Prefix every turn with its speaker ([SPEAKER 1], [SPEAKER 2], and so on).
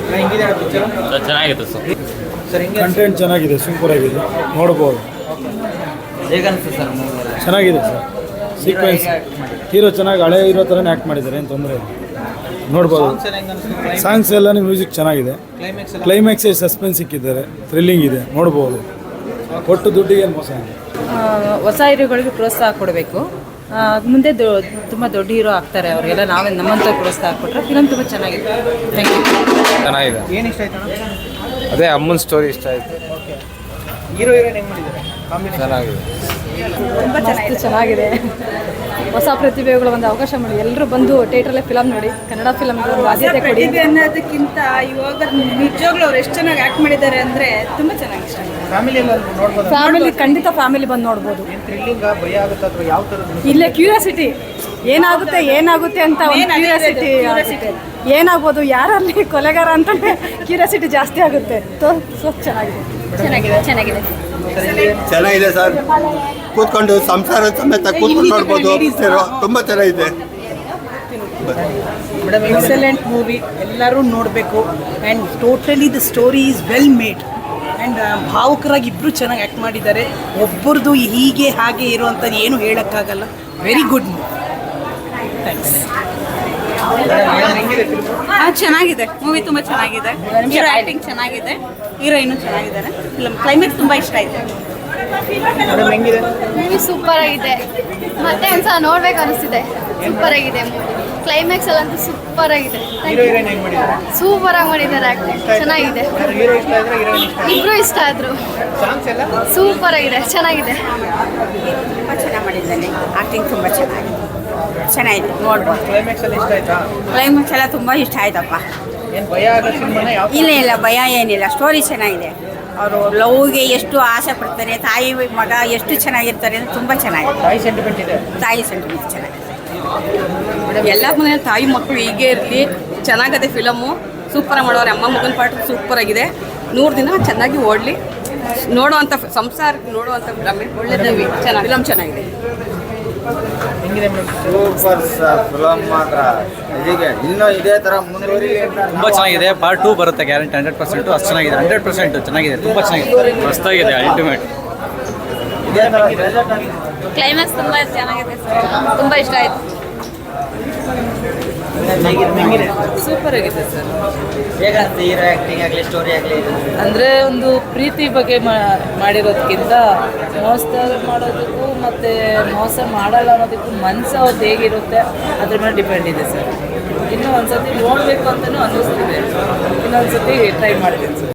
[SPEAKER 1] ಹೆಂಗಿದೆ ಪಿಕ್ಚರ್?
[SPEAKER 2] ಚೆನ್ನಾಗಿತ್ತು sir.
[SPEAKER 3] Content ಚೆನ್ನಾಗಿದೆ, ಸೂಪರ್ ಆಗಿದೆ, ನೋಡ್ಬೋದು.
[SPEAKER 1] ಹೇಗೆ ಅನಿಸ್ತು ಸರ್?
[SPEAKER 3] ಚೆನ್ನಾಗಿದೆ ಸರ್. ಸೀಕ್ವೆನ್ಸ್ ಹೀರೋ ಚೆನ್ನಾಗಿ ಹಳೆ ಹೀರೋ ಥರನೇ ಆ್ಯಕ್ಟ್ ಮಾಡಿದ್ದಾರೆ, ಏನು ತೊಂದರೆ ಇಲ್ಲ, ನೋಡ್ಬೋದು. ಸಾಂಗ್ಸ್ ಎಲ್ಲನೂ ಮ್ಯೂಸಿಕ್ ಚೆನ್ನಾಗಿದೆ. ಕ್ಲೈಮ್ಯಾಕ್ಸ್ ಸಸ್ಪೆನ್ಸ್ ಸಿಕ್ಕಿದ್ದಾರೆ, ಥ್ರಿಲ್ಲಿಂಗ್ ಇದೆ, ನೋಡ್ಬೋದು. ಒಟ್ಟು ದುಡ್ಡಿಗೆ ಏನು ಮೋಸ ಇಲ್ಲ.
[SPEAKER 4] ಹೊಸ ಹೀರೋಗಳಿಗೆ ಪ್ರೋತ್ಸಾಹ ಕೊಡಬೇಕು. ಮುಂದೆ ತುಂಬ ದೊಡ್ಡ ಹೀರೋ ಆಗ್ತಾರೆ ಅವರಿಗೆಲ್ಲ. ನಾವೇ ನಮ್ಮಂತ ಪ್ರೋತ್ಸಾಹ ಕೊಟ್ಟರೆ ಫಿಲಮ್ ತುಂಬ ಚೆನ್ನಾಗಿದೆ. Thank you.
[SPEAKER 2] ಚೆನ್ನಾಗಿದೆ.
[SPEAKER 1] ಏನು ಇಷ್ಟ ಆಯ್ತು?
[SPEAKER 2] ಅದೇ ಅಮ್ಮನ ಸ್ಟೋರಿ ಇಷ್ಟ ಆಯಿತು.
[SPEAKER 1] ಹೀರೋ ಹೀರೋಯಿನ್ ಹೆಂಗೆ ಮಾಡಿದ್ದಾರೆ?
[SPEAKER 2] ಚೆನ್ನಾಗಿದೆ.
[SPEAKER 4] ತುಂಬ ಚೆನ್ನಾಗಿದೆ. ಹೊಸ ಪ್ರತಿಭೆಗಳು ಒಂದು ಅವಕಾಶ ಮಾಡಿ ಎಲ್ಲರೂ ಬಂದು ಥಿಯೇಟ್ರಲ್ಲೇ ಫಿಲಮ್ ನೋಡಿ. ಕನ್ನಡ ಫಿಲಮ್ಗೆ ಒಂದು ಆದ್ಯತೆ ಕೊಡಿ.
[SPEAKER 5] ಪ್ರತಿಭೆ ಅನ್ನೋದಕ್ಕಿಂತ ಇವಾಗ ನಿಜವಾಗ್ಲೂ ಅವ್ರು ಎಷ್ಟು ಚೆನ್ನಾಗಿ ಆ್ಯಕ್ಟ್ ಮಾಡಿದ್ದಾರೆ ಅಂದರೆ ತುಂಬ ಚೆನ್ನಾಗಿ ಇಷ್ಟ ಆಗಿದೆ.
[SPEAKER 1] ಫ್ಯಾಮಿಲಿ ನೋಡ್ಬೋದು.
[SPEAKER 4] ಫ್ಯಾಮಿಲಿ ಖಂಡಿತ ಫ್ಯಾಮಿಲಿ ಬಂದು ನೋಡ್ಬೋದು.
[SPEAKER 1] ಏನು ಥ್ರಿಲ್ಲಿಂಗ್ ಭಯ ಆಗುತ್ತೆ ಅಥವಾ ಯಾವ ಥರದ್ದು?
[SPEAKER 4] ಇಲ್ಲೇ ಕ್ಯೂರಿಯಾಸಿಟಿ ಏನಾಗುತ್ತೆ ಅಂತ ಒಂದು ಕ್ಯೂರಿಯಾಸಿಟಿ ಏನಾಗ್ಬೋದು, ಯಾರಲ್ಲಿ ಕೊಲೆಗಾರ ಅಂತ ಕ್ಯೂರಿಯಾಸಿಟಿ ಜಾಸ್ತಿ ಆಗುತ್ತೆ. ಸೊ ಚೆನ್ನಾಗಿದೆ.
[SPEAKER 6] ಚೆನ್ನಾಗಿದೆ ಸರ್. ಕೂತ್ಕೊಂಡು ಸಂಸಾರ ಸಮೇತ ಕೂತ್ಕೊಂಡು ನೋಡ್ಬೋದು. ತುಂಬ ಚೆನ್ನಾಗಿದೆ.
[SPEAKER 5] ಎಕ್ಸಲೆಂಟ್ ಮೂವಿ, ಎಲ್ಲರೂ ನೋಡಬೇಕು. And totally the story is well made and ಭಾವುಕರಾಗಿ ಇಬ್ಬರು ಚೆನ್ನಾಗಿ ಆ್ಯಕ್ಟ್ ಮಾಡಿದ್ದಾರೆ. ಒಬ್ಬರದು ಹೀಗೆ ಹಾಗೆ ಇರುವಂಥದ್ದು ಏನು ಹೇಳೋಕ್ಕಾಗಲ್ಲ. Very good movie. ಥ್ಯಾಂಕ್ಸ್.
[SPEAKER 7] ಚೆನ್ನಾಗಿದೆ ಮೂವಿ, ತುಂಬ ಚೆನ್ನಾಗಿದೆ. ಹೀರೋ ಆ್ಯಕ್ಟಿಂಗ್ ಚೆನ್ನಾಗಿದೆ, ಹೀರೋಯಿನು ಚೆನ್ನಾಗಿದ್ದಾರೆ. ಫಿಲಮ್ ಕ್ಲೈಮ್ಯಾಕ್ಸ್ ತುಂಬ ಇಷ್ಟ ಆಯಿತು.
[SPEAKER 1] ಹೆಂಗಿದೆ?
[SPEAKER 8] ಮೂವಿ ಸೂಪರ್ ಆಗಿದೆ, ಮತ್ತೆ ಒಂದ್ಸಲ ನೋಡ್ಬೇಕು ಅನಿಸ್ತಿದೆ. ಸೂಪರ್ ಆಗಿದೆ ಮೂವಿ. ಕ್ಲೈಮ್ಯಾಕ್ಸ್ ಅಲ್ಲಂತೂ ಸೂಪರ್ ಆಗಿದೆ.
[SPEAKER 1] ಹೀರೋ ಹೀರೋಯಿನ್ ಹೆಂಗೆ ಮಾಡಿದ್ದಾರೆ?
[SPEAKER 8] ಸೂಪರ್ ಆಗಿ ಮಾಡಿದ್ದಾರೆ, ಆಕ್ಟಿಂಗ್ ಚೆನ್ನಾಗಿದೆ.
[SPEAKER 1] ಹೀರೋ ಇಷ್ಟ ಆದ್ರೆ ಹೀರೋಯಿನ್ ಇಷ್ಟ?
[SPEAKER 8] ಇಬ್ರು ಇಷ್ಟ ಆದ್ರು.
[SPEAKER 1] ಸಾಂಗ್ಸ್ ಎಲ್ಲ
[SPEAKER 8] ಸೂಪರ್ ಆಗಿದೆ, ಚೆನ್ನಾಗಿದೆ.
[SPEAKER 7] ತುಂಬ ಚೆನ್ನಾಗಿ ಮಾಡಿದ್ದಾನೆ, ಆ್ಯಕ್ಟಿಂಗ್ ತುಂಬ ಚೆನ್ನಾಗಿದೆ ನೋಡ್ಬೋದು.
[SPEAKER 1] ಕ್ಲೈಮ್ಯಾಕ್ಸ್ ಎಲ್ಲ ಇಷ್ಟ ಆಯ್ತಾ?
[SPEAKER 7] ಕ್ಲೈಮ್ಯಾಕ್ಸ್ ಎಲ್ಲ ತುಂಬ ಇಷ್ಟ ಆಯ್ತಪ್ಪ.
[SPEAKER 1] ಏನು ಭಯ ಆಗೋ ಸಿನಿಮಾನ ಯಾವ?
[SPEAKER 7] ಇಲ್ಲ ಭಯ ಏನಿಲ್ಲ, ಸ್ಟೋರಿ ಚೆನ್ನಾಗಿದೆ. ಅವರು ಲವ್ಗೆ ಎಷ್ಟು ಆಸೆ ಪಡ್ತಾರೆ, ತಾಯಿ ಮಗ ಎಷ್ಟು ಚೆನ್ನಾಗಿರ್ತಾರೆ ಅಂದರೆ ತುಂಬ ಚೆನ್ನಾಗಿದೆ.
[SPEAKER 1] ತಾಯಿ ಸೆಂಟಿಮೆಂಟ್ ಇದೆ.
[SPEAKER 7] ತಾಯಿ ಸೆಂಟಿಮೆಂಟ್ ಚೆನ್ನಾಗಿದೆ.
[SPEAKER 5] ಎಲ್ಲ ಮನೆಯಲ್ಲಿ ತಾಯಿ ಮಕ್ಕಳು ಹೀಗೆ ಇರಲಿ. ಚೆನ್ನಾಗಿದೆ ಫಿಲಮು, ಸೂಪರಾಗಿ ಮಾಡೋರು. ಅಮ್ಮ ಮಗನ ಪಾಠ ಸೂಪರ್ ಆಗಿದೆ. 100 ದಿನ ಚೆನ್ನಾಗಿ ಓಡಲಿ. ನೋಡುವಂಥ ಸಂಸಾರಕ್ಕೆ ನೋಡುವಂಥ ಫಿಲಮ್, ಒಳ್ಳೆಯದು. ಫಿಲಮ್ ಚೆನ್ನಾಗಿದೆ.
[SPEAKER 1] ಹೆಂಗಿದೆ ಮೇಡಮ್?
[SPEAKER 6] Super sir. ಫಿಲಮ್ ಮಾತ್ರ ಇದೀಗೆ ಇನ್ನೂ ಇದೇ ಥರ ಮುಂದುವರಿ.
[SPEAKER 2] ತುಂಬ ಚೆನ್ನಾಗಿದೆ. ಪಾರ್ಟ್ 2 ಬರುತ್ತೆ ಗ್ಯಾರಂಟಿ. 100% ಅಷ್ಟು ಚೆನ್ನಾಗಿದೆ. 100% ಚೆನ್ನಾಗಿದೆ, ತುಂಬ ಚೆನ್ನಾಗಿದೆ, ಮಸ್ತಾಗಿದೆ, ಅಲ್ಟಿಮೇಟ್.
[SPEAKER 6] ಇದೇ ಥರ
[SPEAKER 8] ಕ್ಲೈಮ್ಯಾಕ್ಸ್ ತುಂಬ ಚೆನ್ನಾಗಿದೆ ಸರ್, ತುಂಬ ಇಷ್ಟ ಆಯಿತು.
[SPEAKER 1] ಹೆಂಗಿದೆ?
[SPEAKER 4] ಸೂಪರ್ ಆಗಿದೆ ಸರ್.
[SPEAKER 1] ಹೇಗಾಗ್ತದೆ ಹೀರೋ ಆ್ಯಕ್ಟಿಂಗ್ ಆಗಲಿ ಸ್ಟೋರಿ ಆಗಲಿ?
[SPEAKER 4] ಅಂದರೆ ಒಂದು ಪ್ರೀತಿ ಬಗ್ಗೆ ಮಾಡಿರೋದಕ್ಕಿಂತ ಮೋಸ ಮಾಡೋದಕ್ಕೂ ಮತ್ತು ಮೋಸ ಮಾಡಲ್ಲ ಅನ್ನೋದಕ್ಕೂ ಮನಸ್ಸು ಅವ್ರದ್ದು ಹೇಗಿರುತ್ತೆ ಅದ್ರ ಮೇಲೆ ಡಿಪೆಂಡ್ ಇದೆ ಸರ್. ಇನ್ನೂ ಒಂದು ಸತಿ ನೋಡಬೇಕು ಅಂತಲೂ ಅನ್ನಿಸ್ತಿದೆ. ಇನ್ನೊಂದು ಸತಿ ಟ್ರೈ ಮಾಡ್ತೀನಿ ಸರ್.